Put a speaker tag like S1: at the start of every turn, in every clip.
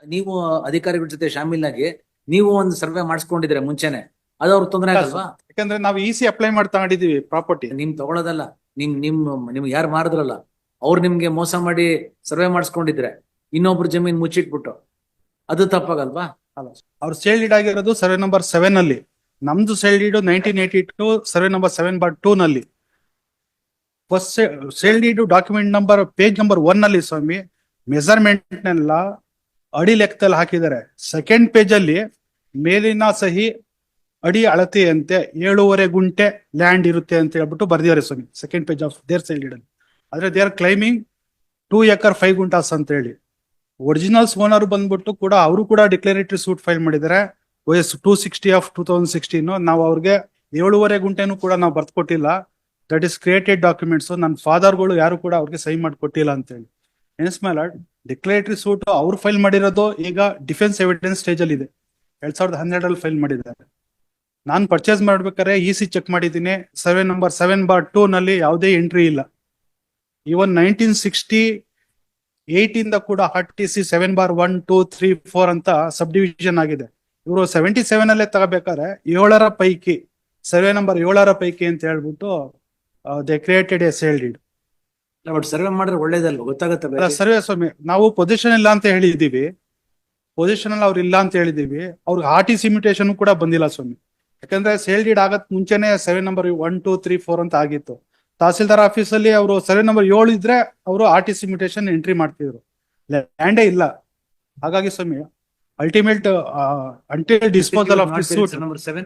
S1: ನೀವು ಅಧಿಕಾರಿಗಳ ಜೊತೆ ಶಾಮೀಲಾಗಿ ನೀವು ಒಂದು ಸರ್ವೆ ಮಾಡಿಸ್ಕೊಂಡಿದ್ರೆ ಮುಂಚೆನೆ, ಅದು ಅವ್ರಿಗೆ ತೊಂದರೆ ಆಗಲ್ವಾ?
S2: ಯಾಕಂದ್ರೆ ನಾವು ಇಸಿ ಅಪ್ಲೈ ಮಾಡಿ ತಗೊಂಡಿದೀವಿ ಪ್ರಾಪರ್ಟಿ.
S1: ನಿಮ್ ತಗೊಳ್ಳೋದಲ್ಲ, ನಿಮ್ಗೆ ಯಾರು ಮಾರಿದ್ರಲ್ಲ ಅವ್ರು ನಿಮ್ಗೆ ಮೋಸ ಮಾಡಿ ಸರ್ವೆ ಮಾಡಿಸ್ಕೊಂಡಿದ್ರೆ ಇನ್ನೊಬ್ರು ಜಮೀನ್ ಮುಚ್ಚಿಟ್ಬಿಟ್ಟು, ಅದು ತಪ್ಪಾಗಲ್ವಾ?
S2: ಅಲ್ಲ, ಅವ್ರು ಸೇಲ್ ಡೀಡ್ ಆಗಿರೋದು ಸರ್ವೆ ನಂಬರ್ 7 ಅಲ್ಲಿ. ನಮ್ದು ಸೇಲ್ ಡೀಡ್ 1982 ಸರ್ವೆ ನಂಬರ್ 7/2 ನಲ್ಲಿ. First sale deed document number page number 1 ಅಲ್ಲಿ ಸ್ವಾಮಿ ಮೆಜರ್ಮೆಂಟ್ ಅಡಿ ಲೆಕ್ಕದಲ್ಲಿ ಹಾಕಿದ್ದಾರೆ. ಸೆಕೆಂಡ್ ಪೇಜ್ ಅಲ್ಲಿ ಮೇಲಿನ ಸಹಿ ಅಡಿ ಅಳತೆಯಂತೆ 7.5 ಗುಂಟೆ ಲ್ಯಾಂಡ್ ಇರುತ್ತೆ ಅಂತ ಹೇಳ್ಬಿಟ್ಟು ಬರ್ದಿದ್ದಾರೆ ಸ್ವಾಮಿ, second page of there sale deed ಅಲ್ಲಿ. ಆದ್ರೆ they are claiming 2 acre 5 guntas ಅಂತ ಹೇಳಿ. ಒರಿಜಿನಲ್ಸ್ ಓನರ್ ಬಂದ್ಬಿಟ್ಟು ಕೂಡ ಅವರು ಕೂಡ ಡಿಕ್ಲರೇಟರಿ ಸೂಟ್ ಫೈಲ್ ಮಾಡಿದ್ದಾರೆ. OS 260 of 2016. ನಾವು ಅವ್ರಿಗೆ 7.5 ಗುಂಟೆನೂ ಕೂಡ ನಾವು ಬರ್ಕೊಟ್ಟಿಲ್ಲ. That is created documents. ನನ್ನ ಫಾದರ್ಗಳು ಯಾರು ಕೂಡ ಅವ್ರಿಗೆ ಸಹಿ ಮಾಡಿಕೊಟ್ಟಿಲ್ಲ ಅಂತ ಹೇಳಿ. Hence my lord, declaratory suit ಅವ್ರು ಫೈಲ್ ಮಾಡಿರೋದು ಈಗ ಡಿಫೆನ್ಸ್ ಎವಿಡೆನ್ಸ್ ಸ್ಟೇಜ್ ಅಲ್ಲಿ ಇದೆ. 2012 ಫೈಲ್ ಮಾಡಿದ್ದಾರೆ. ನಾನು ಪರ್ಚೇಸ್ ಮಾಡ್ಬೇಕಾದ್ರೆ ಇಸಿ ಚೆಕ್ ಮಾಡಿದ್ದೀನಿ, ಸರ್ವೆ ನಂಬರ್ 7/2 ನಲ್ಲಿ ಯಾವುದೇ ಎಂಟ್ರಿ ಇಲ್ಲ. ಇವನ್ 1968 ಇಂದ ಕೂಡ RTC 7/1, 2, 3, 4 ಅಂತ ಸಬ್ ಡಿವಿಷನ್ ಆಗಿದೆ. ಇವರು 77 ಅಲ್ಲೇ ತಗೋಬೇಕಾದ್ರೆ 7ರ ಪೈಕಿ ಸರ್ವೆ ನಂಬರ್ 7ರ ಪೈಕಿ ಅಂತ ಹೇಳ್ಬಿಟ್ಟು they created a sale deed.
S1: But survey ಮಾಡಿದ್ರೆ ಒಳ್ಳೇದಲ್ವ, ಗೊತ್ತಾಗತ್ತೆ.
S2: ಸರ್ವೆ ಸ್ವಾಮಿ, ನಾವು ಪೊಸಿಷನ್ ಇಲ್ಲ ಅಂತ ಹೇಳಿದೀವಿ, ಪೊಸಿಷನ್ ಅಲ್ಲಿ ಅವ್ರು ಇಲ್ಲ ಅಂತ ಹೇಳಿದೀವಿ. ಅವ್ರಿಗೆ RTC ಮ್ಯೂಟೇಶನ್ ಕೂಡ ಬಂದಿಲ್ಲ ಸ್ವಾಮಿ. ಯಾಕಂದ್ರೆ ಸೇಲ್ ಡೀಡ್ ಆಗತ್ ಮುಂಚೆನೆ ಸರ್ವೆ ನಂಬರ್ 1, 2, 3, 4 ಅಂತ ಆಗಿತ್ತು. ತಹಸೀಲ್ದಾರ್ ಆಫೀಸ್ ಅಲ್ಲಿ ಅವರು ಸರ್ವೆ ನಂಬರ್ 7 ಇದ್ರೆ ಅವರು RTC ಮ್ಯೂಟೇಶನ್ ಎಂಟ್ರಿ ಮಾಡ್ತಿದ್ರು, ಲ್ಯಾಂಡೇ ಇಲ್ಲ. ಹಾಗಾಗಿ ಸ್ವಾಮಿ ultimate until disposal of this suit
S1: number 7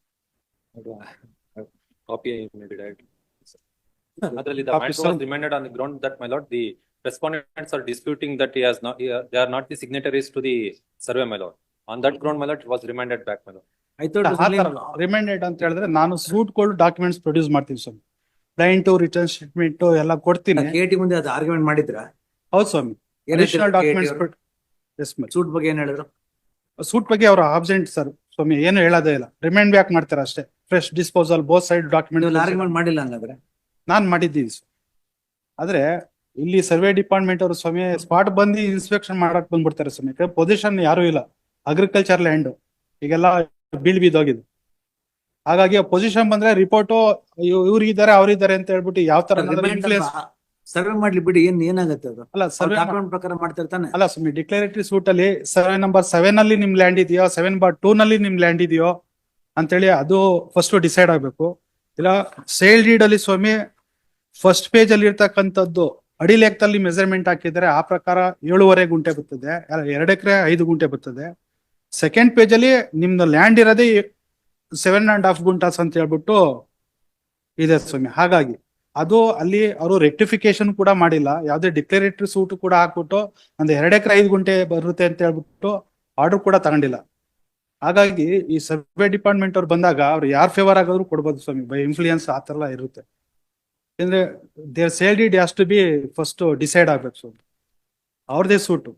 S3: copy may be directed. Adರಲ್ಲಿ the matter was remanded on the ground that, my lord, the respondents are disputing that they are not the signatories to the survey, my lord. On that ground, my lord, it was remanded back, my lord.
S1: I thought
S2: reminded ಅಂತ ಹೇಳಿದ್ರೆ ನಾನು suit ಗಳು documents produce ಮಾಡ್ತೀನಿ ಸ್ವಾಮಿ. Client return statement ಎಲ್ಲ ಕೊಡ್ತೀನಿ.
S1: KT ಮುಂದೆ ಅದು argument ಮಾಡಿದ್ರ?
S2: ಹೌದು ಸ್ವಾಮಿ. ಅಡಿಷನಲ್ ಡಾಕ್ಯುಮೆಂಟ್ಸ್
S1: ಸೂಟ್ ಬಗ್ಗೆ ಏನ್ ಹೇಳಿದ್ರು?
S2: ಸೂಟ್ ಬಗ್ಗೆ ಅವರು ಆಬ್ಸೆಂಟ್ ಸರ್ ಸ್ವಾಮಿ, ಏನು ಹೇಳೋದೇ ಇಲ್ಲ. ರಿಮೈಂಡ್ ಬ್ಯಾಕ್ ಮಾಡ್ತಾರೆ ಅಷ್ಟೇ. Fresh disposal both side document
S1: argument ಮಾಡಿಲ್ಲ ಹಂಗಾದ್ರೆ?
S2: ನಾನ್ ಮಾಡಿದ್ದೀನಿ. ಆದ್ರೆ ಇಲ್ಲಿ ಸರ್ವೆ ಡಿಪಾರ್ಟ್ಮೆಂಟ್ ಅವರು ಸ್ವಾಮಿ ಸ್ಪಾಟ್ ಬಂದು ಇನ್ಸ್ಪೆಕ್ಷನ್ ಮಾಡಕ್ ಬಂದ್ಬಿಡ್ತಾರೆ ಸ್ವಾಮಿ. ಪೊಸಿಷನ್ ಯಾರು ಇಲ್ಲ, ಅಗ್ರಿಕಲ್ಚರ್ ಲ್ಯಾಂಡ್ ಈಗೆಲ್ಲ ಬೀಳ್ಬಿದ್ದೋಗಿದೆ. ಹಾಗಾಗಿ ಪೊಸಿಷನ್ ಬಂದ್ರೆ ರಿಪೋರ್ಟ್ ಇವ್ರಿಗಿದ್ದಾರೆ ಅವ್ರಿದ್ದಾರೆ ಅಂತ ಹೇಳ್ಬಿಟ್ಟು ಯಾವ ತರ ಇನ್ಫ್ಲೂಯೆನ್ಸ್.
S1: ಸರ್ವೆ ಮಾಡ್ಲಿ ಬಿಡಿ, ಏನಾಗತ್ತೆ ಅದು?
S2: ಅಲ್ಲ ಸರ್ವೆ
S1: ಡಾಕ್ಯುಮೆಂಟ್ ಪ್ರಕಾರ ಮಾಡ್ತಿರ್ತಾನೆ.
S2: ಅಲ್ಲ ಸ್ವಾಮಿ, ಡಿಕ್ಲರೇಟರಿ ಸೂಟ್ ಅಲ್ಲಿ ಸರ್ವೆ ನಂಬರ್ 7 ಅಲ್ಲಿ ನಿಮ್ ಲ್ಯಾಂಡ್ ಇದೆಯೋ 7/2 ನಲ್ಲಿ ನಿಮ್ ಲ್ಯಾಂಡ್ ಇದೆಯೋ ಅಂತೇಳಿ ಅದು ಫಸ್ಟ್ ಡಿಸೈಡ್ ಆಗ್ಬೇಕು. ಇಲ್ಲ ಸೇಲ್ ಡೀಡ್ ಅಲ್ಲಿ ಸ್ವಾಮಿ ಫಸ್ಟ್ ಪೇಜ್ ಅಲ್ಲಿ ಇರ್ತಕ್ಕಂಥದ್ದು ಅಡಿ ಲೆಕ್ಕದಲ್ಲಿ ಮೆಜರ್ಮೆಂಟ್ ಹಾಕಿದ್ರೆ ಆ ಪ್ರಕಾರ 7.5 ಗುಂಟೆ ಬರ್ತದೆ, 2 ಎಕರೆ 5 ಗುಂಟೆ ಬರ್ತದೆ. ಸೆಕೆಂಡ್ ಪೇಜ್ ಅಲ್ಲಿ ನಿಮ್ದು ಲ್ಯಾಂಡ್ ಇರೋದೇ 7.5 ಗುಂಟಾಸ್ ಅಂತ ಹೇಳ್ಬಿಟ್ಟು ಇದೆ ಸ್ವಾಮಿ. ಹಾಗಾಗಿ ಅದು ಅಲ್ಲಿ ಅವರು ರೆಕ್ಟಿಫಿಕೇಶನ್ ಕೂಡ ಮಾಡಿಲ್ಲ. ಯಾವ್ದೇ ಡಿಕ್ಲರೇಟರಿ ಸೂಟ್ ಕೂಡ ಹಾಕ್ಬಿಟ್ಟು ಒಂದು 2 ಎಕರೆ 5 ಗುಂಟೆ ಬರುತ್ತೆ ಅಂತ ಹೇಳ್ಬಿಟ್ಟು ಆರ್ಡರ್ ಕೂಡ ತಗೊಂಡಿಲ್ಲ. ಹಾಗಾಗಿ ಈ ಸರ್ವೆ ಡಿಪಾರ್ಟ್ಮೆಂಟ್ ಅವ್ರು ಬಂದಾಗ ಅವ್ರು ಯಾರ್ ಫೇವರ್ ಆಗೋದ್ರು ಕೊಡ್ಬೋದು ಸ್ವಾಮಿ, ಬೈ ಇನ್ಫ್ಲೂಯೆನ್ಸ್ ಆ ತರ ಎಲ್ಲ ಇರುತ್ತೆ. ಯಾಕಂದ್ರೆ there sale deed has to be first decide ಆಗ್ಬೇಕು ಸ್ವಾಮಿ, ಅವ್ರದೇ suit.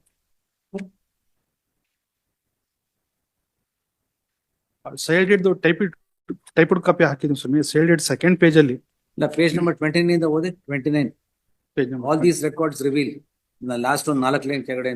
S2: Sale deed typed copy ಹಾಕಿದ್ವಿ ಸ್ವಾಮಿ. ಸೇಲ್ ಡೀಡ್ ಸೆಕೆಂಡ್ ಪೇಜ್ ಅಲ್ಲಿ
S1: ಪೇಜ್ ನಂಬರ್ 29 ಇಂದ ಓದಿ. 29
S2: page
S1: all these records reveal. Last ಒಂದು 4 ಲೈನ್ ಕೆಳಗಡೆ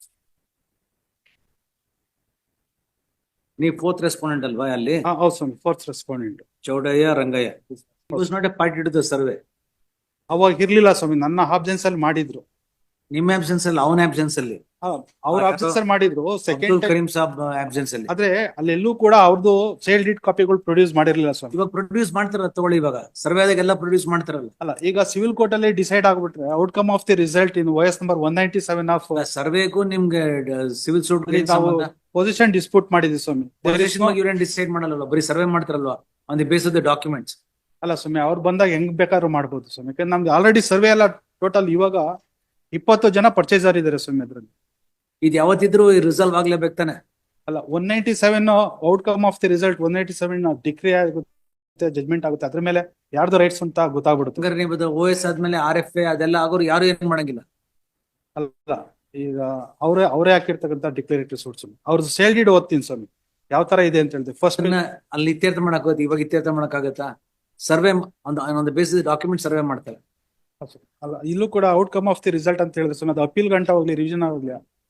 S1: ನೀವು 4th ರೆಸ್ಪಾಂಡೆಂಟ್ ಅಲ್ವಾ ಅಲ್ಲಿ?
S2: ಹೌದು ಸ್ವಾಮಿ, 4th respondent
S1: Chowdaiah Rangaiah. Was not a party to the survey.
S2: ಅವಾಗ ಇರ್ಲಿಲ್ಲ ಸ್ವಾಮಿ, ನನ್ನ ಆಬ್ಸೆನ್ಸ್ ಅಲ್ಲಿ ಮಾಡಿದ್ರು.
S1: ನಿಮ್ಮ ಆಬ್ಸೆನ್ಸ್ ಅಲ್ಲಿ, ಅವನ ಆಬ್ಸೆನ್ಸ್ ಅಲ್ಲಿ,
S2: ಅವ್ರ ಆಬ್ಸೆನ್ಸ್ ಮಾಡಿದ್ರು. ಸೆಕೆಂಡ್
S1: ಕರೀಂ ಸಾಬ್ ಆಬ್ಸೆನ್ಸ್ ಅಲ್ಲಿ.
S2: ಆದ್ರೆ ಅಲ್ಲೆಲ್ಲೂ ಕೂಡ ಅವ್ರದ್ದು ಸೇಲ್ ಡೀಡ್ ಕಾಪಿಗಳು ಪ್ರೊಡ್ಯೂಸ್ ಮಾಡಿರ್ಲಿಲ್ಲ ಸ್ವಾಮಿ.
S1: ಇವಾಗ ಪ್ರೊಡ್ಯೂಸ್ ಮಾಡ್ತಾರ ತಗೊಳ್ಳಿ, ಇವಾಗ ಸರ್ವೆ ಆದಾಗೆಲ್ಲ ಪ್ರೊಡ್ಯೂಸ್ ಮಾಡ್ತಾರಲ್ಲ.
S2: ಅಲ್ಲ, ಈಗ ಸಿವಿಲ್ ಕೋರ್ಟ್ ಅಲ್ಲಿ ಡಿಸೈಡ್ ಆಗ್ಬಿಟ್ರೆ outcome of the result in OS number 197 of
S1: ಸರ್ವೆಗೂ ನಿಮ್ಗೆ ಸಿವಿಲ್ ಸೂಟ್
S2: ಪೊಸಿಷನ್ ಡಿಸ್ಪ್ಯೂಟ್ ಮಾಡಿದ್ವಿ ಸ್ವಾಮಿ.
S1: ಇವ್ರೇನ್ ಡಿಸೈಡ್ ಮಾಡಲ್ಲ, ಬರೀ ಸರ್ವೆ ಮಾಡ್ತಾರಲ್ವಾ on the base of the documents.
S2: ಅಲ್ಲ ಸ್ವಾಮಿ, ಅವ್ರು ಬಂದಾಗ ಹೆಂಗ್ ಬೇಕಾದ್ರೂ ಮಾಡ್ಬೋದು ಸ್ವಾಮಿ. ಯಾಕಂದ್ರೆ ನಮ್ದು ಆಲ್ರೆಡಿ ಸರ್ವೆ ಎಲ್ಲ ಟೋಟಲ್ ಇವಾಗ 20 ಜನ ಪರ್ಚೇಸರ್ ಇದಾರೆ ಸ್ವಾಮಿ. ಅದ್ರಲ್ಲಿ
S1: ಇದು ಯಾವತ್ತಿದ್ರು ರಿಸಲ್ವ್ ಆಗ್ಲೇಬೇಕು ತಾನೆ?
S2: ಅಲ್ಲ, 197 outcome of the result 197 decree ಆಗುತ್ತೆ, ಜಜ್ಮೆಂಟ್ ಆಗುತ್ತೆ. ಅದ್ರ ಮೇಲೆ ಯಾರ್ದು ರೈಟ್ಸ್ ಅಂತ ಗೊತ್ತಾಗ್ಬಿಡುತ್ತೆ.
S1: ನೀವು OS ಆದ್ಮೇಲೆ RFA ಅದೆಲ್ಲ ಆಗೋರು ಯಾರು ಏನ್ ಮಾಡಂಗಿಲ್ಲ.
S2: ಅಲ್ಲ, ಈಗ ಅವರೇ ಹಾಕಿರ್ತಕ್ಕಂಥ ಡಿಕ್ಲರೇಟರಿ ಸೂಟ್ಸ್ ಅವ್ರದ್ದು ಸೇಲ್ ಡೀಡ್ ಓದ್ತೀನಿ ಸ್ವಾಮಿ, ಯಾವ ತರ ಇದೆ ಅಂತ ಹೇಳಿದೆ. ಫಸ್ಟ್
S1: ಅಲ್ಲಿ ಇತ್ಯರ್ಥ ಮಾಡಕ್ ಹೋದ್, ಇವಾಗ ಇತ್ಯರ್ಥ ಮಾಡಕ್ ಆಗತ್ತಾ? ಸರ್ವೆ ಒಂದು ಬೇಸಿಸ್ ಡಾಕ್ಯುಮೆಂಟ್ ಸರ್ವೆ ಮಾಡ್ತಾರೆ.
S2: ಅಲ್ಲ, ಇಲ್ಲೂ ಕೂಡ ಔಟ್ಕಮ್ ಆಫ್ ದಿ ರಿಸಲ್ಟ್ ಅಂತ ಹೇಳಿದ್ರೆ ಸ್ವಾಮಿ, ಅದು ಅಪೀಲ್ ಗಂಟ ಹೋಗ್ಲಿ ರಿವಿಷನ್ ಹೋಗ್ಲಿ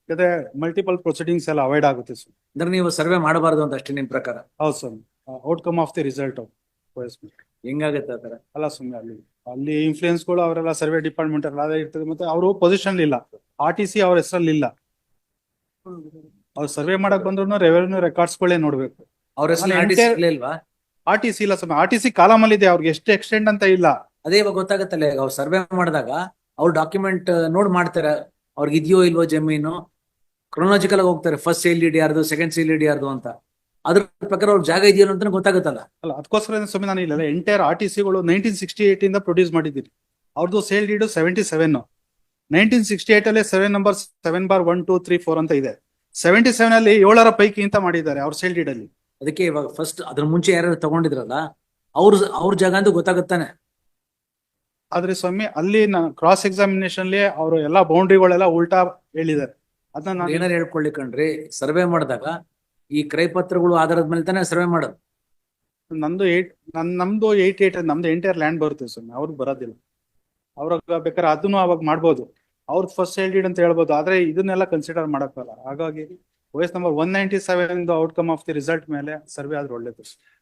S2: ಯಾಕಂದ್ರೆ ಮಲ್ಟಿಪಲ್ ಪ್ರೊಸೀಡಿಂಗ್ಸ್ ಎಲ್ಲ ಅವಾಯ್ಡ್ ಆಗುತ್ತೆ ಸರ್.
S1: ಅಂದ್ರೆ ನೀವು ಸರ್ವೆ ಮಾಡಬಾರ್ದು ಅಂತ ಅಷ್ಟೇ ನಿಮ್ ಪ್ರಕಾರ.
S2: ಹೌದು sir, outcome of the result of
S1: ಹೆಂಗಾಗತ್ತೆ ಆ ತರ?
S2: ಅಲ್ಲ ಸುಮ್ಮನೆ ಅಲ್ಲಿ ಇನ್ಫ್ಲೂಯೆನ್ಸ್ಗಳು ಅವರೆಲ್ಲ ಸರ್ವೆ ಡಿಪಾರ್ಟ್ಮೆಂಟ್ ಎಲ್ಲ ಅದೇ ಇರ್ತದೆ, ಮತ್ತೆ ಅವರು ಪೊಸಿಷನ್ ಇಲ್ಲ, RTC ಅವ್ರ ಹೆಸರಲ್ಲಿ ಇಲ್ಲ. ಅವ್ರು ಸರ್ವೆ ಮಾಡಕ್ ಬಂದ್ರು ರೆವೆನ್ಯೂ ರೆಕಾರ್ಡ್ಸ್ಗಳೇ ನೋಡ್ಬೇಕು.
S1: ಅವ್ರ ಹೆಸರು
S2: ಅಲ್ಲಿ
S1: RTC
S2: entire-
S1: ಇಲ್ವಾ?
S2: RTC ಇಲ್ಲ ಸ್ವಾಮಿ, RTC ಕಾಲಮ್ ಅಲ್ಲಿ ಇದೆ, ಅವ್ರಿಗೆ ಎಷ್ಟು ಎಕ್ಸ್ಟೆಂಡ್ ಅಂತ ಇಲ್ಲ.
S1: ಅದೇ ಇವಾಗ ಗೊತ್ತಾಗತ್ತಲ್ಲ, ಅವ್ರು ಸರ್ವೆ ಮಾಡಿದಾಗ ಅವ್ರು ಡಾಕ್ಯುಮೆಂಟ್ ನೋಡ್ ಮಾಡ್ತಾರೆ, ಅವ್ರಿಗೆ ಇದೆಯೋ ಇಲ್ವೋ ಜಮೀನು, ಕ್ರೊನಾಲಜಿಕಲ್ ಆಗಿ ಹೋಗ್ತಾರೆ, ಫಸ್ಟ್ ಸೇಲ್ ಡೀಡ್ ಯಾರ್ದು, ಸೆಕೆಂಡ್ ಸೇಲ್ ಡೀಡ್ ಯಾರ್ದು ಅಂತ. ಅದ್ರ ಪ್ರಕಾರ ಅವ್ರ ಜಾಗ ಇದೆಯೋ ಅಂತ ಗೊತ್ತಾಗುತ್ತಲ್ಲ.
S2: ಅಲ್ಲ ಅದಕ್ಕೋಸ್ಕರ ಸ್ವಾಮಿ ನಾನು ಇಲ್ಲ ಎಂಟೈರ್ RTCಗಳು 1968 ಇಂದ ಪ್ರೊಡ್ಯೂಸ್ ಮಾಡಿದ್ದೀನಿ. ಅವ್ರದ್ದು ಸೇಲ್ ಡೀಡ್ 77. 1968 ಅಲ್ಲಿ ಸರ್ವೆ ನಂಬರ್ 7/1, 2, 3, 4 ಅಂತ ಇದೆ. 77 ಅಲ್ಲಿ 7 ಪೈಕಿ ಅಂತ ಮಾಡಿದ್ದಾರೆ ಅವ್ರ ಸೇಲ್ ಡೀಡ್ ಅಲ್ಲಿ.
S1: ಅದಕ್ಕೆ ಇವಾಗ ಫಸ್ಟ್ ಅದ್ರ ಮುಂಚೆ ಯಾರು ತಗೊಂಡಿದ್ರಲ್ಲ ಅವ್ರ ಜಾಗ ಅಂತ ಗೊತ್ತಾಗುತ್ತಾನೆ.
S2: ಆದ್ರೆ ಸ್ವಾಮಿ ಅಲ್ಲಿ ಕ್ರಾಸ್ ಎಕ್ಸಾಮಿನೇಷನ್ ಅಲ್ಲಿ ಅವರು ಎಲ್ಲಾ ಬೌಂಡ್ರಿಗಳೆಲ್ಲ ಉಲ್ಟಾ ಹೇಳಿದ್ದಾರೆ. ಅದನ್ನ ನಾನು
S1: ಏನಾರು ಹೇಳ್ಕೊಳ್ಳಿ ಕಣ್ರಿ, ಸರ್ವೆ ಮಾಡಿದಾಗ ಈ ಕ್ರಯ ಪತ್ರಗಳು ಆಧಾರದ ಮೇಲೆ ತಾನೇ ಸರ್ವೆ ಮಾಡೋದು.
S2: ನಮ್ದು 88 ನಮ್ದು ಎಂಟೈರ್ ಲ್ಯಾಂಡ್ ಬರುತ್ತೆ ಸ್ವಾಮಿ, ಅವ್ರಿಗೆ ಬರೋದಿಲ್ಲ. ಅವ್ರಾಗ ಬೇಕಾದ್ರೆ ಅದನ್ನು ಅವಾಗ ಮಾಡ್ಬೋದು, ಅವ್ರದ್ದು ಫಸ್ಟ್ ಸೇಲ್ ಡೀಡ್ ಅಂತ ಹೇಳ್ಬೋದು, ಆದ್ರೆ ಇದನ್ನೆಲ್ಲ ಕನ್ಸಿಡರ್ ಮಾಡಕ್ಕಲ್ಲ. ಹಾಗಾಗಿ OS number 197 outcome of the result ಮೇಲೆ ಸರ್ವೆ ಆದ್ರೆ ಒಳ್ಳೇದು.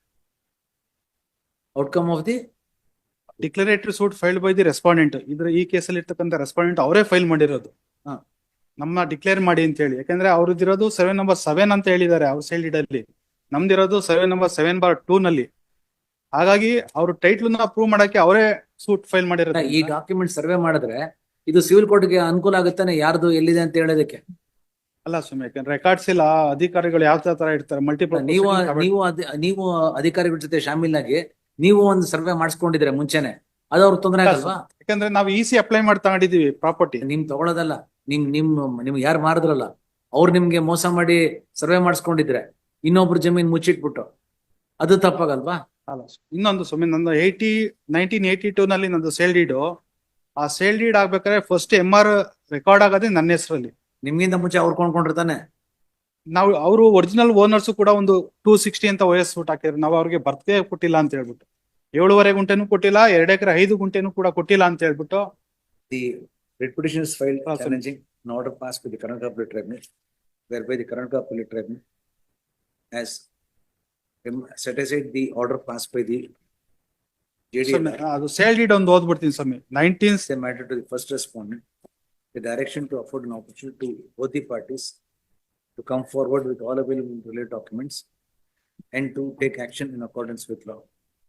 S1: Outcome of the
S2: declaratory suit filed by the respondent. ಈ ಕೇಸಲ್ಲಿ ಇರ್ತಕ್ಕಂಥ ರೆಸ್ಪಾಂಡೆಂಟ್ ಅವರೇ ಫೈಲ್ ಮಾಡಿರೋದು.
S1: ಹಾ.
S2: ನಮ್ಮ ಡಿಕ್ಲೇರ್ ಮಾಡಿ ಅಂತ ಹೇಳಿ, ಯಾಕಂದ್ರೆ ಅವ್ರದ್ದಿರೋದು ಸರ್ವೆ ನಂಬರ್ 7 ಅಂತ ಹೇಳಿದ್ದಾರೆ ಅವ್ರ ಸೇಲ್ ಡೀಡ್ ಅಲ್ಲಿ, ನಮ್ದಿರೋದು ಸರ್ವೆ ನಂಬರ್ 7/2 ನಲ್ಲಿ. ಹಾಗಾಗಿ ಅವ್ರ ಟೈಟ್ಲ್ ನ ಅಪ್ರೂವ್ ಮಾಡಕ್ಕೆ ಅವರೇ ಸೂಟ್ ಫೈಲ್ ಮಾಡಿರೋದು.
S1: ಈ ಡಾಕ್ಯುಮೆಂಟ್ ಸರ್ವೆ ಮಾಡಿದ್ರೆ ಇದು ಸಿವಿಲ್ ಕೋರ್ಟ್ಗೆ ಅನುಕೂಲ ಆಗುತ್ತಾನೆ, ಯಾರ್ದು ಎಲ್ಲಿದೆ ಅಂತ ಹೇಳೋದಕ್ಕೆ.
S2: ಅಲ್ಲ ಸುಮ್ಮನೆ ಯಾಕಂದ್ರೆ ರೆಕಾರ್ಡ್ಸ್ ಇಲ್ಲ, ಅಧಿಕಾರಿಗಳು ಯಾವ ತರ ಇರ್ತಾರೆ, ಮಲ್ಟಿಪಲ್
S1: ನೀವು ಅಧಿಕಾರಿಗಳ ಜೊತೆ ಶಾಮೀಲಾಗಿ ನೀವು ಒಂದು ಸರ್ವೆ ಮಾಡಿಸ್ಕೊಂಡಿದ್ರೆ ಮುಂಚೆನೆ, ಅದು ಅವ್ರ ತೊಂದರೆ ಆಗಲ್ವಾ?
S2: ಯಾಕಂದ್ರೆ ನಾವು EC ಅಪ್ಲೈ ಮಾಡಿ ತಗೊಂಡಿದೀವಿ ಪ್ರಾಪರ್ಟಿ.
S1: ನಿಮ್ ತಗೊಳ್ಳೋದಲ್ಲ, ನಿಮ್ಗೆ ಯಾರು ಮಾರಿದ್ರಲ್ಲ ಅವ್ರು ನಿಮ್ಗೆ ಮೋಸ ಮಾಡಿ ಸರ್ವೆ ಮಾಡಿಸ್ಕೊಂಡಿದ್ರೆ ಇನ್ನೊಬ್ರು ಜಮೀನ್ ಮುಚ್ಚಿಟ್ಬಿಟ್ಟು, ಅದು ತಪ್ಪಾಗಲ್ವಾ?
S2: ಅಲ್ಲ ಇನ್ನೊಂದು ಸುಮ್ಮನೆ ನಂದು 1982 ನಲ್ಲಿ ನಂದು ಸೇಲ್ ಡೀಡು, ಆ ಸೇಲ್ ಡೀಡ್ ಆಗ್ಬೇಕಾದ್ರೆ ಫಸ್ಟ್ MR ರೆಕಾರ್ಡ್ ಆಗೋದೇ ನನ್ನ ಹೆಸರಲ್ಲಿ.
S1: ನಿಮ್ಗಿಂತ ಮುಂಚೆ ಅವ್ರು ಕೊಂಡ್ಕೊಂಡಿರ್ತಾನೆ.
S2: ನಾವು ಅವರು ಒರಿಜಿನಲ್ ಓನರ್ಸ್ ಕೂಡ ಒಂದು 260 ಅಂತ OS ಸೂಟ್ ಹಾಕಿದ್ರು. ನಾವು ಅವ್ರಿಗೆ ಬರ್ತ್ಗೆ ಕೊಟ್ಟಿಲ್ಲ ಅಂತ ಹೇಳ್ಬಿಟ್ಟು, 7.5 ಗುಂಟೆನೂ ಕೊಟ್ಟಿಲ್ಲ, 2 ಎಕರೆ 5 ಗುಂಟೆನೂ ಕೂಡ ಕೊಟ್ಟಿಲ್ಲ ಅಂತ ಹೇಳ್ಬಿಟ್ಟು.
S1: The writ petition is filed
S2: sir.
S1: challenging an order passed by the Karnataka Appellate Tribunal, whereby the Karnataka Appellate Tribunal has set aside the order passed by the JDA.
S2: ಅದು ಸೇಲ್ ಡೀಡ್ ಒಂದು ಓದ್ಬಿಡ್ತೀನಿ ಸ್ವಾಮಿ. 19th
S1: They matter to the first respondent, the direction to afford an opportunity to both the parties to come forward with all available related documents and to take action in accordance with law.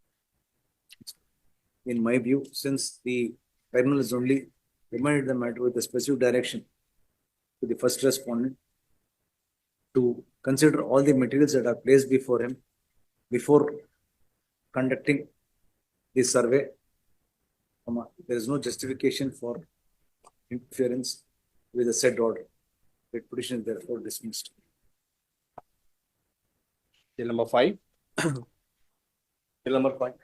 S1: In my view, since the tribunal has only remanded the matter with a specific direction to the first respondent to consider all the materials that are placed before him before conducting this survey, there is no justification for interference with the said order. The petition is therefore dismissed.
S4: Bill number 5. Bill number 5.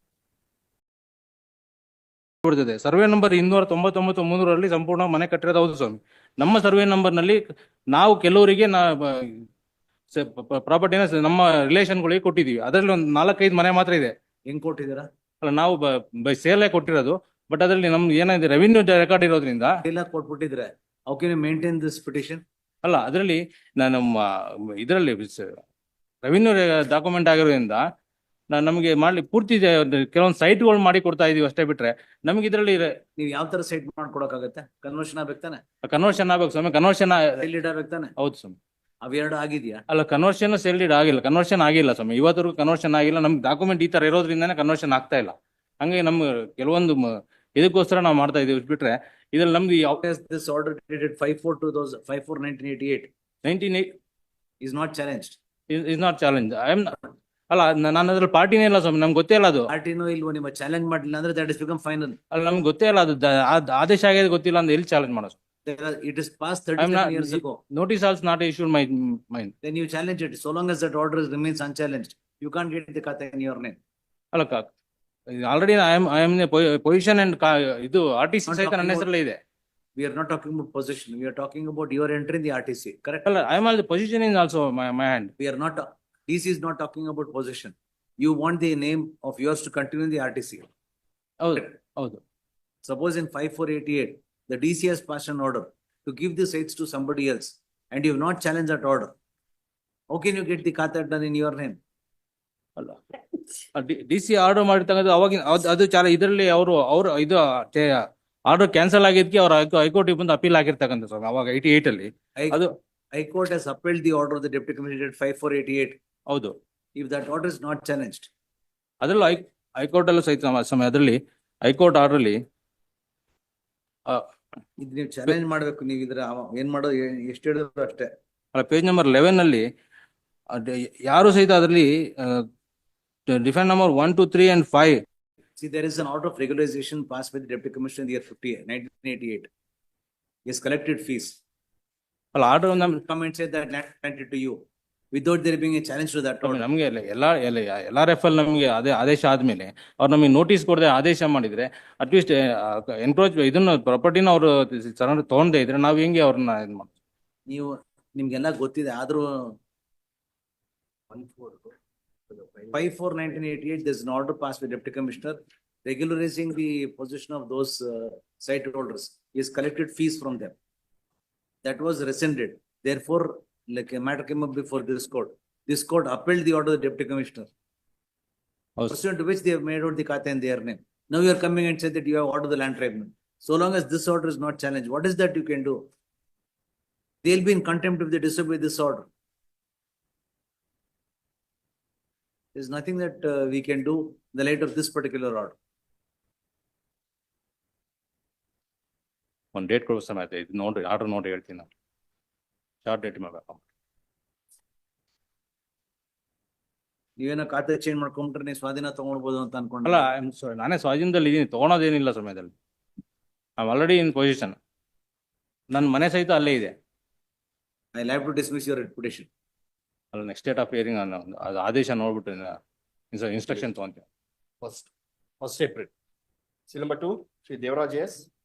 S5: ಕೊಡ್ತಿದೆ. Survey number 299 ಸಂಪೂರ್ಣ ಮನೆ ಕಟ್ಟಿರೋದು ಹೌದು ಸ್ವಾಮಿ. ನಮ್ಮ survey number ನಲ್ಲಿ ನಾವು ಕೆಲವರಿಗೆ ಪ್ರಾಪರ್ಟಿನ ನಮ್ಮ ರಿಲೇಷನ್ಗಳಿಗೆ ಕೊಟ್ಟಿದೀವಿ. ಅದರಲ್ಲಿ ಒಂದು 4-5 ಮನೆ ಮಾತ್ರ ಇದೆ.
S1: ಹೆಂಗ್ ಕೊಟ್ಟಿದ್ದೀರಾ?
S5: ಅಲ್ಲ ನಾವು ಬೈ ಸೇಲೇ ಕೊಟ್ಟಿರೋದು, ಬಟ್ ಅದರಲ್ಲಿ ನಮ್ದು ಏನಿದೆ ರೆವಿನ್ಯೂ ರೆಕಾರ್ಡ್ ಇರೋದ್ರಿಂದ
S1: ಇಲ್ಲ ಕೊಟ್ಬಿಟ್ಟಿದ್ರೆ how can you maintain this petition?
S5: ಅಲ್ಲ ಅದರಲ್ಲಿ ನಮ್ಮ ಇದರಲ್ಲಿ ರೆವಿನ್ಯೂ ಡಾಕ್ಯುಮೆಂಟ್ ಆಗಿರೋದ್ರಿಂದ ನಮಗೆ ಮಾಡ್ಲಿ ಪೂರ್ತಿ ಕೆಲವೊಂದು ಸೈಟ್ಗಳು ಮಾಡಿ ಕೊಡ್ತಾ ಇದೀವಿ ಅಷ್ಟೇ, ಬಿಟ್ರೆ ನಮ್ಗೆ ಇದರಲ್ಲಿ
S1: ನೀವು ಯಾವ ತರ ಸೈಟ್ ಮಾಡ್ಕೊಡಕ್ಕಾಗತ್ತೆ? ಕನ್ವರ್ಷನ್ ಆಗ್ಬೇಕು ತಾನೆ?
S5: ಕನ್ವರ್ಷನ್ ಆಗ್ಬೇಕು ಸ್ವಾಮಿ. ಕನ್ವರ್ಷನ್
S1: ಆಗ್ಬೇಕು ತಾನೆ?
S5: ಹೌದು ಸ್ವಾಮಿ.
S1: ಅವೆರಡು ಆಗಿದ್ಯಾ?
S5: ಅಲ್ಲ ಕನ್ವರ್ಷನ್ ಸೇಲ್ ಡೀಡ್ ಆಗಿಲ್ಲ, ಕನ್ವರ್ಷನ್ ಆಗಿಲ್ಲ ಸ್ವಾಮಿ. ಇವತ್ತರೆಗೂ ಕನ್ವರ್ಷನ್ ಆಗಿಲ್ಲ. ನಮ್ಗೆ ಡಾಕ್ಯುಮೆಂಟ್ ಈ ತರ ಇರೋದ್ರಿಂದಾನೇ ಕನ್ವರ್ಷನ್ ಆಗ್ತಾ ಇಲ್ಲ. ಹಂಗೆ ನಮ್ಗೆ ಕೆಲವೊಂದು ಇದಕ್ಕೋಸ್ಕರ ನಾವು ಮಾಡ್ತಾ ಇದೀವಿ, ಬಿಟ್ರೆ ಇದ್ರಲ್ಲಿ ನಮ್ದು
S1: this order dated 5/4/1988 is not challenged.
S5: Is not challenge. ಅಲ್ಲ ನಾನು ಅದ್ರಲ್ಲಿ ಪಾರ್ಟಿನೇ ಇಲ್ಲ ಸ್ವಾಮಿ, ನಮ್ಗೆ ಗೊತ್ತೇ ಇಲ್ಲ ಅದು.
S1: ಪಾರ್ಟಿನೋ ಇಲ್ವೋ ನಿಮ್ಮ ಚಾಲೆಂಜ್ ಮಾಡಲಿಲ್ಲ ಅಂದ್ರೆ that is become final.
S5: ಅಲ್ಲ ನಮ್ಗೆ ಗೊತ್ತೇ ಇಲ್ಲ ಅದು ಆದೇಶ ಆಗಿದೆ ಗೊತ್ತಿಲ್ಲ ಅಂದ್ರೆ ಎಲ್ಲಿ ಚಾಲೆಂಜ್ ಮಾಡೋದು?
S1: It is past 37 years ago.
S5: Notice also not issued my mind.
S1: Then you challenge it. So long as that order remains unchallenged, you can't get the kata in your name.
S5: ಅಲ್ಲ already I am position and ಇದು RTC ಸಹಿತ ನನ್ನ ಹೆಸರಲ್ಲೇ ಇದೆ.
S1: We are not talking about position. We are talking about your entry in the RTC. Correct?
S5: ಅಲ್ಲ I am also position in also my hand.
S1: We are not. DC is not talking about position. You want the name of yours to continue in the RTC.
S5: ಹೌದು ಹೌದು.
S1: Suppose in 5/4/88, the DC has passed an order to give the sites to somebody else. and you have not challenged that order. How can you get the Khata done in your name?
S5: ಅಲ್ಲ D C order ಮಾಡಿರ್ತಕ್ಕಂಥ ಅವಾಗಿನ ಅದು ಚಾಲ ಇದರಲ್ಲಿ ಅವರು ಇದು order cancel ಆಗಿದ್ದಕ್ಕೆ ಅವ್ರ high court ಬಂದು ಅಪೀಲ್ ಆಗಿರ್ತಕ್ಕಂಥ ಸರ್ ಅವಾಗ 88 ಅಲ್ಲಿ
S1: High-
S5: ಅದು
S1: High Court has upheld the order of the Deputy Commissioner 5488.
S5: ಹೌದು
S1: If that order is not challenged,
S5: ಅದರಲ್ಲೂ ಹೈಕೋರ್ಟ್ ಅಲ್ಲೂ ಸಹಿತ ಸಮಯ ಅದರಲ್ಲಿ ಹೈಕೋರ್ಟ್ ಆರ್ಡರ್ ಅಲ್ಲಿ
S1: ಇದು ನೀವು ಚಾಲೆಂಜ್ ಮಾಡ್ಬೇಕು. ನೀವು ಇದ್ರ ಏನ್ ಮಾಡೋದು ಎಷ್ಟು ಹೇಳಿದ್ರು ಅಷ್ಟೇ.
S5: ಪೇಜ್ ನಂಬರ್ 11 ಅಲ್ಲಿ ಯಾರು ಸಹಿತ ಅದರಲ್ಲಿ defend number 1, 2, 3 and 5
S1: See, there is an order of regularization passed by the Deputy Commissioner in the year 1988. He has collected fees.
S5: ಅಲ್ಲ order
S1: Come and say that land granted to you without there being a challenge to that order.
S5: ನಮ್ಗೆ ಎಲ್ಲಾ referral ನಮ್ಗೆ ಅದೇ ಆದೇಶ ಆದ್ಮೇಲೆ ಅವ್ರು ನಮಗೆ notice ಕೊಡದೆ ಆದೇಶ ಮಾಡಿದ್ರೆ ಅಟ್ಲೀಸ್ಟ್ ಎನ್ಕ್ರೋಚ್ ಇದನ್ನ ಪ್ರಾಪರ್ಟಿನ ಅವರು ತಗೊಂಡೇ ಇದ್ರೆ ನಾವ್ ಹೆಂಗೆ ಅವ್ರನ್ನ ಇದ್ ಮಾಡ್ತೀವಿ?
S1: ನೀವು ನಿಮ್ಗೆಲ್ಲ ಗೊತ್ತಿದೆ ಆದ್ರೂ 54/1988, there's an order passed by Deputy Commissioner regularizing the possession of those site holders. He has collected fees from them. That was rescinded. Therefore, like a matter came up before this court. This court upheld the order of the Deputy Commissioner,
S5: ಹೌದು.
S1: pursuant to which they have made out the Khata in their name. Now you are coming and said that you have ordered the land tribunal. So long as this order is not challenged, what is that you can do? They'll be in contempt if they disobey this order. There's nothing that we can do in the light of this particular order.
S5: ಒಂದ್ date ಕೊಡೋ ಸಮಯ ಆಯ್ತು. ಇದು ನೋಡ್ರಿ order ನೋಡಿ ಹೇಳ್ತೀನಿ ನಾನು short date ಮಾಡ್ಬೇಕು.
S1: ನೀವೇನೋ ಖಾತೆ ಚೇಂಜ್ ಮಾಡ್ಕೊಂಡ್ರೆ ನೀವು ಸ್ವಾಧೀನ ತಗೊಳ್ಬೋದು ಅಂತ ಅನ್ಕೊಂಡ್ರೆ.
S5: ಅಲ್ಲ ನಾನೇ ಸ್ವಾಧೀನದಲ್ಲಿ ಇದೀನಿ, ತಗೊಳೋದೇನಿಲ್ಲ ಸಮಯದಲ್ಲಿ. I already in position. ನನ್ನ ಮನೆ ಸಹಿತ ಅಲ್ಲೇ ಇದೆ.
S1: I'll have to dismiss your reputation.
S5: ಅಲ್ಲ ನೆಕ್ಸ್ಟ್ ಡೇಟ್ ಆಫ್ ಹಿಯರಿಂಗ್ ಅದು ಆದೇಶ ನೋಡ್ಬಿಟ್ಟು ಇನ್ಸ್ಟ್ರಕ್ಷನ್ ತಗೊಂತೀನಿ.
S4: First April. Seal number 2, Shri Devaraj S.